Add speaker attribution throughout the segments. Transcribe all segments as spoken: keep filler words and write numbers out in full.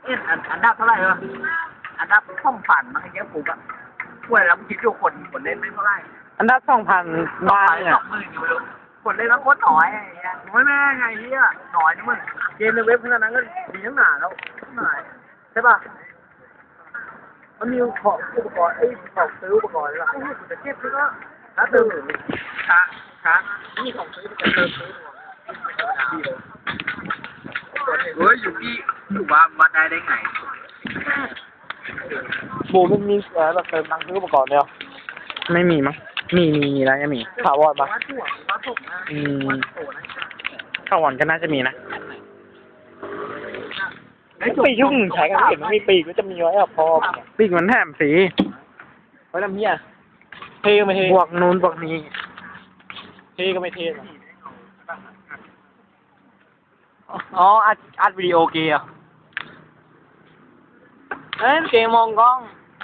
Speaker 1: เอ็นอันอันดับเท่าไหร่เหรออันดับช่องผ่านมันเยอะปุ๊บอะช่วยแล้วคิดดูคนคนเล่นไม่เท่าไหร่
Speaker 2: อันดับสองพัน
Speaker 1: ส
Speaker 2: บ้า
Speaker 1: อง
Speaker 2: เนี่ย
Speaker 1: สองหมื่นอยู่ไม่รู้คนเล่นแล้วโคตรน้อยไอ้เงี้ยไม่แม่ไงเฮียน้อยนะมึงเกมในเว็บขนาดนั้นก็ดีทั้งหนาแล้วหนาใช่ป่ะมันมีของอุปกรณ์ไอ้ของซื้ออุปกรณ์อะไรล่ะไอ้เหี้ยกูจะเก็บซื้อก็ถ้าเติมช้าช้านี่ของซื้อมันจะเติมซื้อดีเลยเฮ้ยอยู่ที่อยู่ว่ามาได้ได้ไง
Speaker 2: โบมันมีเออแบบเติมตังค์ซื้ออุปกรณ์เนี่ยไม่มีมั้งมีมีมีแล้วจะมีถาวรปะอืมถาวรก็น่าจะมีนะปีกที่มึงใช้กันเห็นมันมีปีกก็จะมีไว้อะพอปีกมันแถมสีไว้ทำเหี้ยเท่ก็ไม่เท่บวกนู้นบวกนี้เท่ก็ไม่เท่หรอกอ๋ออัดอัดวิดีโอเกมเอ้ยเกมมองกล้อง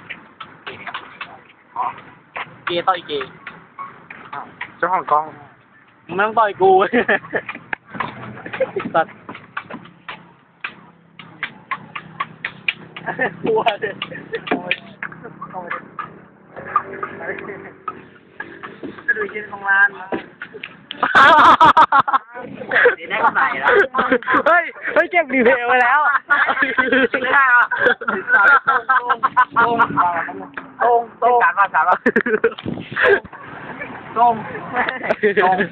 Speaker 2: เกย์ต่อยเกย์เจ้าของกล้องมึงไม่ต้องต่อยกูตัดกลัวเลยจะดูยินของร้านได้กำไรแล้วเฮ้ยเฮ้ยเก็บรีเพลย์ไว้แล้วไม่ได้หรอตรงตรงตรงตรงการว่าการว่าตรงตรง